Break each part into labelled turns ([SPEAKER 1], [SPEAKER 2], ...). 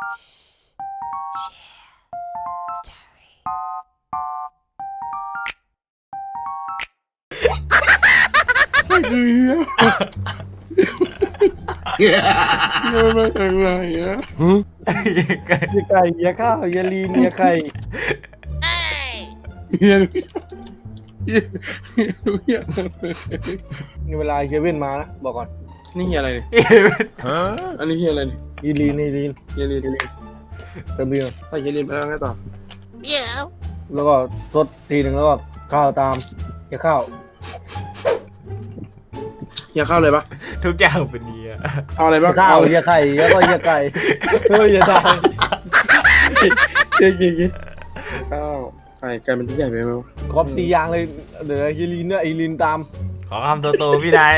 [SPEAKER 1] มันมาจากไหนอะ
[SPEAKER 2] เฮียไก่เฮียข้าวเฮียลีนเฮียไข่
[SPEAKER 1] เฮียเฮียเฮีย
[SPEAKER 2] นี่เวลาเฮียเว่นมานะบอกก่อน
[SPEAKER 1] นี่เฮียอะไรเนี่ยอันนี้เฮียอะไรเนี่ย
[SPEAKER 2] เฮียลีนเฮียลีน
[SPEAKER 1] เฮียเรียน
[SPEAKER 2] เติมเบียร์
[SPEAKER 1] ไปเฮียเรียนไปแล้วไงต่อ
[SPEAKER 2] แล้วก็สดทีหนึ่งแล้วก็ข้าวตามเฮียข้าว
[SPEAKER 1] เฮียเข้าเลยปะ
[SPEAKER 3] ทุกอย่างเป็นเฮีย
[SPEAKER 1] เอาอะไร
[SPEAKER 2] เฮี
[SPEAKER 1] บ้าง
[SPEAKER 2] ยข้าว
[SPEAKER 1] เอาเลย
[SPEAKER 2] เฮียไข่แล้วก็เฮียไก่เฮ้ยเฮียตาย
[SPEAKER 1] กินข้าวไก่มันที่ใหญ่ไปไหมวะ
[SPEAKER 2] ครบ4อย่างเลยเดี๋ยวเฮียลีนเนี่ยไอลีนตาม
[SPEAKER 3] ขอคำโตๆพี่นาย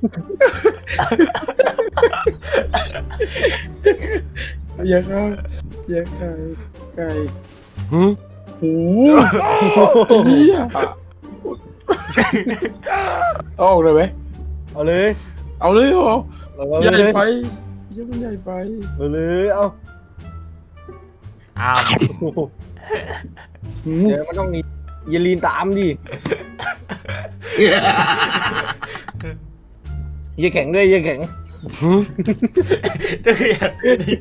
[SPEAKER 1] เฮียข้าวเฮียไก่โอ้โหเฮียเอาออกเลยไหม
[SPEAKER 2] เอาเลย
[SPEAKER 1] เอาเลยเหรอ
[SPEAKER 2] เอา
[SPEAKER 1] ใหญ่
[SPEAKER 2] เลย
[SPEAKER 1] ไปเฮียมันใหญ่ไป
[SPEAKER 2] เอาเลยเอา
[SPEAKER 3] อ้าว
[SPEAKER 2] เดี๋ยวมันต้องมีเฮียลีนตามดิเฮียแข็งด้วยเฮียแข็ง
[SPEAKER 3] ทุกอย่างเป็นเฮีย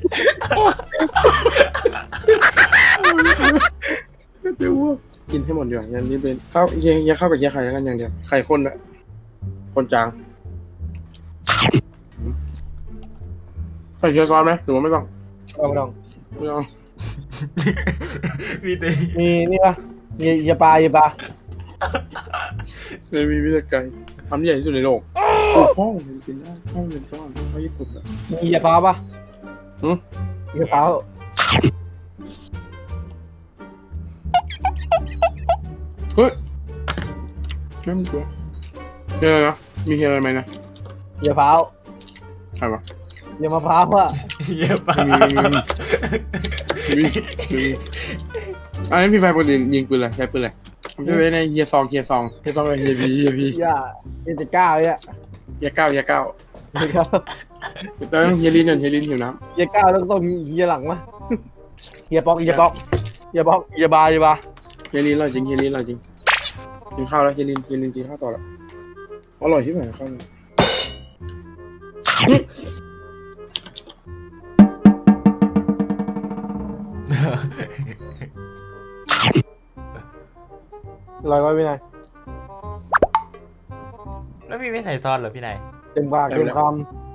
[SPEAKER 1] เดี๋ยวว่ากินให้หมดดีกว่าอย่างนี้เป็นข้าวเฮียข้าวกับเฮียไข่แล้วกันอย่างเดียวไข่ข้นอะคนจางใส่เฮียซอสไหมหรือว่าไม่ต้อง
[SPEAKER 2] เอาไม่ต้อง
[SPEAKER 1] ไม่ต้อง
[SPEAKER 3] มีแต่
[SPEAKER 2] มีนี่ปะเฮียปลาเฮียปลา
[SPEAKER 1] เลยมีวิธีการทำใหญ่ที่สุดในโลกโอ้พ่อมันกินได้พ่อมันเป็นก้อนข้าวญี่ปุ่นอะ
[SPEAKER 2] มีเฮียปลาปะ
[SPEAKER 1] หืม
[SPEAKER 2] เฮียปลา
[SPEAKER 1] เฮ้ยไม่มีตัวเฮียอะไรนะมีเฮียอะไรไหมนะ
[SPEAKER 2] เฮียพร้าว
[SPEAKER 1] ใครวะ
[SPEAKER 2] เฮียมะพร้าวอะ
[SPEAKER 3] เฮียปะ
[SPEAKER 1] มีอันนี้พี่ไฟปกติยิงปืนอะไรใช้ปืนอะไรผมจะไปในเฮียซองกับเฮียบี
[SPEAKER 2] อย่าเฮียจะกล้าเนี่ย
[SPEAKER 1] เฮียเก้า
[SPEAKER 2] เฮียก้าว
[SPEAKER 1] แต่ต้องเฮียลินก่อนเฮียลินหิวน้
[SPEAKER 2] เฮียก้าวแล้วก็ต้องมีเฮียหลังมะเฮียป๊อกเฮียป๊อกเฮียป๊อกเฮียบาเฮียบา
[SPEAKER 1] ำเฮียลินอร่อยจริงกินข้าวแล้วเฮียลินกินข้าวต่อแล้วอร่อยที่ไหนข้าวเนี่ย
[SPEAKER 2] ลอยไว้ไม่ได้
[SPEAKER 3] แล้วพี่ไม่ใส่ซอสเหรอพี่นาย
[SPEAKER 2] เต็มปากเต็มค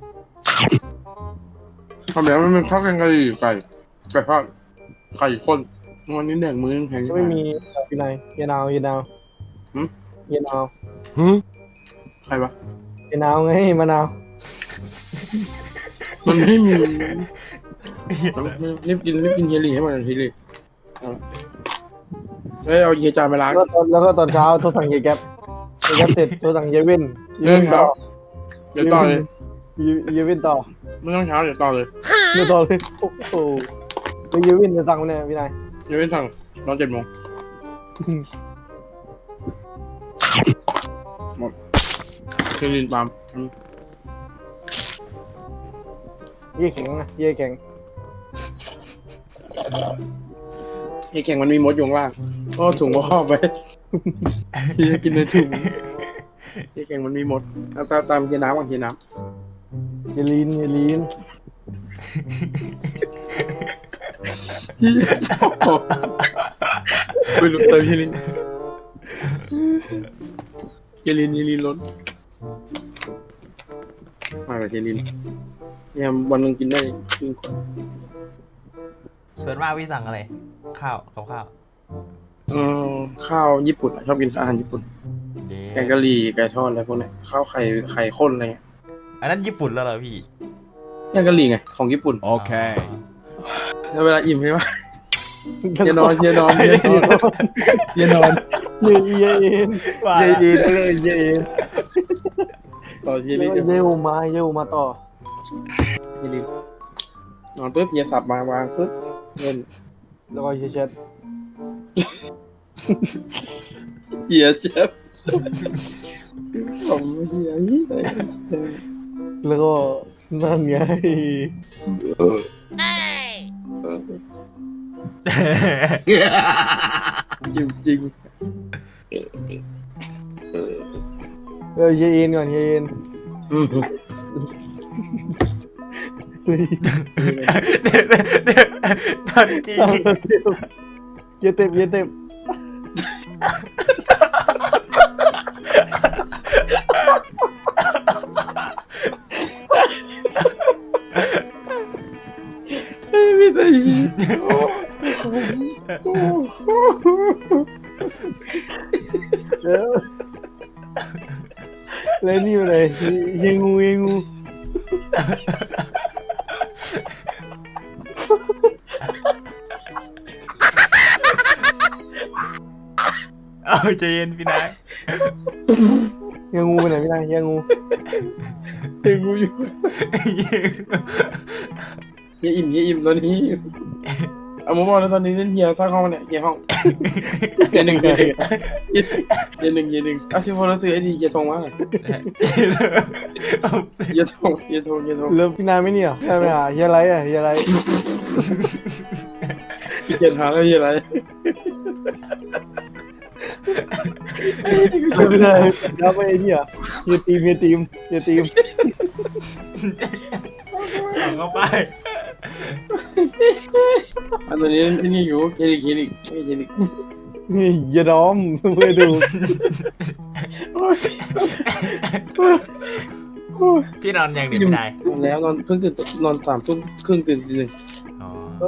[SPEAKER 1] ทำแบบมันเป็นข้าวแกงกะหรี่ไก่ทอดไข่ข้นวันนี้แดกมื้อนึงแพง
[SPEAKER 2] ำไม่มีพี่นายเฮียนาวเฮียนาวเฮียนาว
[SPEAKER 1] ใครวะ
[SPEAKER 2] เฮียนาวไงมะนาว
[SPEAKER 1] มันไม่มีรีบกินเฮียหลี่ให้หมดทีเลยเอาเฮียจานไปล้าง
[SPEAKER 2] แล้วก็ตอนเช้าโทรสั่งเฮียแก๊ปเฮียแก๊ปเสร็จโทรสั่งเฮียเว่น
[SPEAKER 1] เรื่องเช้าเดี๋ยวต่อเลย
[SPEAKER 2] เฮียเว่นต่อ
[SPEAKER 1] ไม่ต้องเช้าเดี๋ยวต่อเลย
[SPEAKER 2] เฮียต่อเลยโอ้โหแล้วเฮียเว่นจะสั่งเนี่ยพี่นาย
[SPEAKER 1] เดี๋ยวไม่สั่งตอน7 โมงหมดเฮียลินตาม
[SPEAKER 2] เฮียแข็งนะเฮียแข็ง
[SPEAKER 1] เฮียแข่งมันมีมดอยู่ข้างล่างก็ถุงก็ครอบไปเฮียกินในถุงเฮียแข่งมันมีมดตามเฮียน้ำก่อนเฮียน้ำ
[SPEAKER 2] เฮียลีนเฮียลีน
[SPEAKER 1] ไม่รู้เติมเฮลินล้นมากับเฮลินเนี่ยวันหนึงกินได้ครึ่งขวด
[SPEAKER 3] ส่วนมากพี่สั่งอะไร ข้าวกับข้าว
[SPEAKER 1] ข้าวญี่ปุ่นชอบกินอาหารญี่ปุ่นแกงกะหรี่ไก่ทอดอะไรพวกนี้ข้าวไข่ข้นอะไรเงี้ย
[SPEAKER 3] อันนั้นญี่ปุ่นแล้วเหรอพี่
[SPEAKER 1] แกงกะหรี่ไงของญี่ปุ่น
[SPEAKER 4] Okay.
[SPEAKER 1] แล้วเวลาอิ่มใช่ไหมเฮียนอนเฮียนอน
[SPEAKER 2] เฮียเอ็นเฮียเอ็นเลยเฮียเอ็น
[SPEAKER 1] ต่อเฮีย
[SPEAKER 2] เฮี
[SPEAKER 1] ลิ
[SPEAKER 2] ย
[SPEAKER 1] น
[SPEAKER 2] เฮียมาต่อ
[SPEAKER 1] เฮียลินนอนปุ๊บเฮียสับมาวางปุ๊บเล่น
[SPEAKER 2] แล้วก็เฮียเช็ด
[SPEAKER 1] เฮียเจ็บผมเฮีย
[SPEAKER 2] แล้วก็นั่นไง
[SPEAKER 1] อิ่มจริง
[SPEAKER 2] เฮียเอ็นก่อนเฮียเอ็น
[SPEAKER 1] อืม
[SPEAKER 3] ตอนจริง
[SPEAKER 2] เฮียเต็มเฮียเต็ม
[SPEAKER 1] ไม่ได้
[SPEAKER 2] แล้วแล้วนี่อะไรเฮียงูเฮียงู
[SPEAKER 3] เอาใจเย็นพี่นาย
[SPEAKER 2] เฮียงูไปไหนไม่ได้เฮียงู
[SPEAKER 1] เฮียงูอยู่เฮียอิ่มตอนนี้เอามาบอกแล้วตอนนี้เล่นเฮียสร้างห้องเนี่ยเฮียห้องเฮียหนึ่งเอาซิโฟนซื้อไอ้ดีเฮียทงมาเลยเฮียทง
[SPEAKER 2] แล้วพี่นายไม่เนี่ยใช่ไหมอ่ะเฮียไรอ่ะเฮียไร
[SPEAKER 1] เฮียหาแล้วเฮียอะไร
[SPEAKER 2] ไม่ได้แล้วไปเนี่ยเฮียทีม
[SPEAKER 3] เอาเข้าไป
[SPEAKER 1] อันตัวนี้นี่อยู่เคลิก
[SPEAKER 2] นี่เฮียดอมเพื่อดู
[SPEAKER 3] พี่นอนยังเดี๋ยวพี่นาย
[SPEAKER 1] นอนแล้วนอนเพิ่งตื่นนอน3 ทุ่มครึ่งตื่นตี 1
[SPEAKER 3] อ๋อ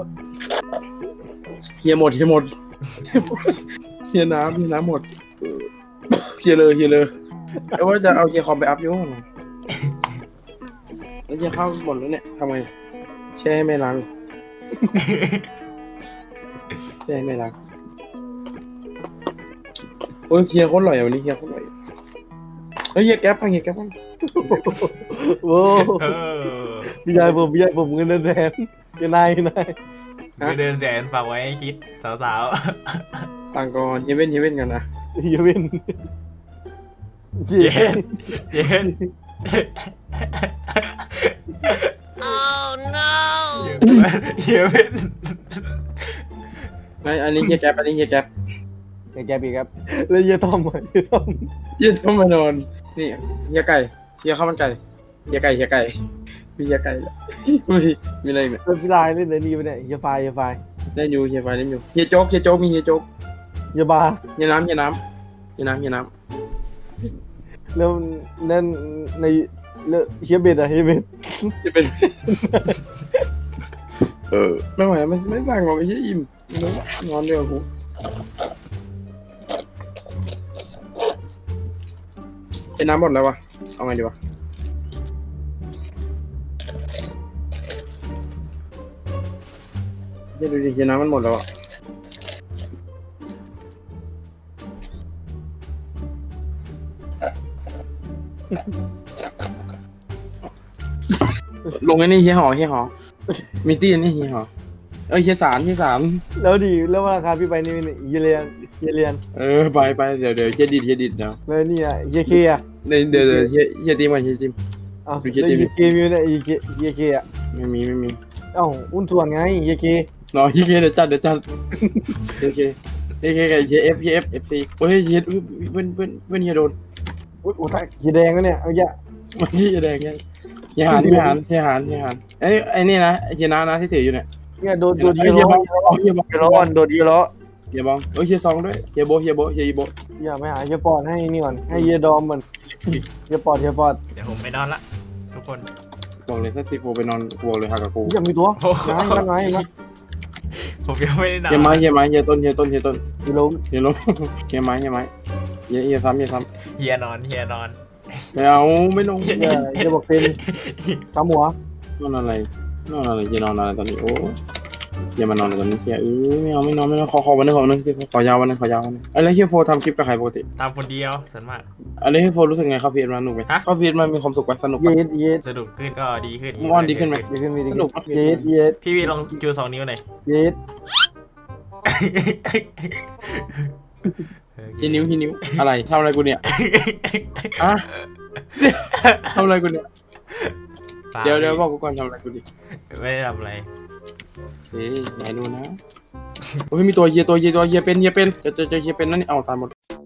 [SPEAKER 1] เฮียหมดเฮียน้ำหมดเฮียเลยไอ้ว่าจะเอาเฮียคอมไปอัพอยู่ห้องแล้วเฮียเข้าหมดแล้วเนี่ยทำไงแช่ให้แม่ล้างแช่ให้แม่ล้างโอ้ยเฮียโคตรอร่อยวันนี้เฮียโคตรอร่อยเฮ้ยเฮียแก๊ปฟัง
[SPEAKER 2] โอ้
[SPEAKER 3] เออ
[SPEAKER 2] พี่ชายผมเงินแทนเฮียนาย
[SPEAKER 3] ไปเดินแสนฝากไว้ให้คิดสาว
[SPEAKER 1] ต่างก่อนเฮียเว้นกันนะ
[SPEAKER 2] เฮียเว้น
[SPEAKER 3] ๆเย็นเฮียเป็น
[SPEAKER 1] อันนี้เฮียแก๊ป
[SPEAKER 2] แกปีครับแล้วเฮียต้อมอ่ะเฮียต้อม
[SPEAKER 1] เฮียต้องมานอนนี่เฮียไก่เฮียข้าวมันไก่เฮียไก่มีเฮียไก่แล้วมีอะไรเนี่ย
[SPEAKER 2] แล้วพี่ลายเล่นอะไรนี่ไปเนี่ยเฮียไฟ
[SPEAKER 1] เล่นอยู่เฮียไฟเล่นอยู่เฮียโจ๊กมีเฮียโจ๊ก
[SPEAKER 2] เฮียบาร์
[SPEAKER 1] เฮียน้ำ
[SPEAKER 2] แล้วนั่นในแล้วเฮียเบ็ดอ่ะเฮียเบ็ด
[SPEAKER 1] จะเป็นไม่ไหวแล้วไม่สั่งหรอกไอ้เฮียอิ่มนอนเดียวกูไอ้น้ำหมดแล้ววะเอาไงดีวะเฮียดูดิเฮียน้ำมันหมดแล้วอะลงไอ้นี่เฮียหอมีตี้นี่เฮียหอเฮียสาร
[SPEAKER 2] แล้วดีแล้วราคาพี่ไปนี่เฮียเรียน
[SPEAKER 1] ไปเดี๋ยวเฮียดิดเดี๋ยว
[SPEAKER 2] แล้วนี่อ่ะเฮียเคอ่ะ
[SPEAKER 1] เดี๋ยวเฮียตีมันเฮียตีม
[SPEAKER 2] อ้าวแล้วเฮียเกมอยู่เนี่ยเฮียเคอ่ะ
[SPEAKER 1] ไม่มี
[SPEAKER 2] เอ้าอุ้นส่วนไงเฮียเค
[SPEAKER 1] รอเฮียเดี๋ยวจัดเฮียกับเฮียเอฟซีโอ้ยเฮียเว้นเฮียโดน
[SPEAKER 2] อุ้ยตายเฮียแดงแล้วเนี่ยเอาเยอะ
[SPEAKER 1] มันเฮียแดงไงเฮียหานไอ้นี่นะเฮียนะที่ถืออยู่เนี่ย
[SPEAKER 2] เนี่ยโดนเฮียล้อโดนเฮียล้อ
[SPEAKER 1] เฮียบองเฮียซองด้วยเฮียโบ
[SPEAKER 2] อย่าไปหาเฮียปอดให้นี่ก่อนให้เฮียดอมมันเฮียปอด
[SPEAKER 3] เดี๋ยวผมไปนอนละทุกคน
[SPEAKER 1] บอกเลยถ้าซีโฟไปนอนบอกเลยหักกับกู
[SPEAKER 2] อย่ามีตัวไง
[SPEAKER 3] ผมยังไม่ได้นอน
[SPEAKER 1] เฮียไม้เฮียต้น
[SPEAKER 2] เฮียล้ม
[SPEAKER 1] เฮียไม้เฮียซ้ำ
[SPEAKER 3] เฮียนอน
[SPEAKER 1] ไม่เอาไม่ลง
[SPEAKER 2] เฮียบอกเป็นตามหัวน
[SPEAKER 1] อนอะไรเฮียนอนอะไรตอนนี้โอ้เฮียมานอนอะไรตอนนี้เฮียไม่เอาไม่นอนขอวันนึงขอยาววันนึงอะไรเฮียโฟทำคลิปกับใครปกติ
[SPEAKER 3] ตามคนเดียวส่วนมาก
[SPEAKER 1] อะไรเฮียโฟรู้สึกไงเข้าพีเอ็มสนุกไหมเข้าพีเอ็มมันมีความสุขไหมสนุก
[SPEAKER 2] เย็ด
[SPEAKER 3] สนุกขึ้นก็ดีขึ้น
[SPEAKER 1] เมื่อวานดีขึ้นไหม สนุก
[SPEAKER 2] เย็ด
[SPEAKER 3] พี่วีลองจู2 นิ้วหน่อย
[SPEAKER 2] เย็ด
[SPEAKER 1] ทีนิ้วอะไรทำอะไรกูเนี่ยอะทำอะไรกูเนี่ยเดี๋ยวบอกกูก่อนทำอะไรกูดิ
[SPEAKER 3] ไม่ได้ทำอะไร
[SPEAKER 1] เฮ้ยไหนดูนะโอ้ยมีตัวเฮียเป็นเจอเฮียเป็นนั่นนี่เอาตายหมด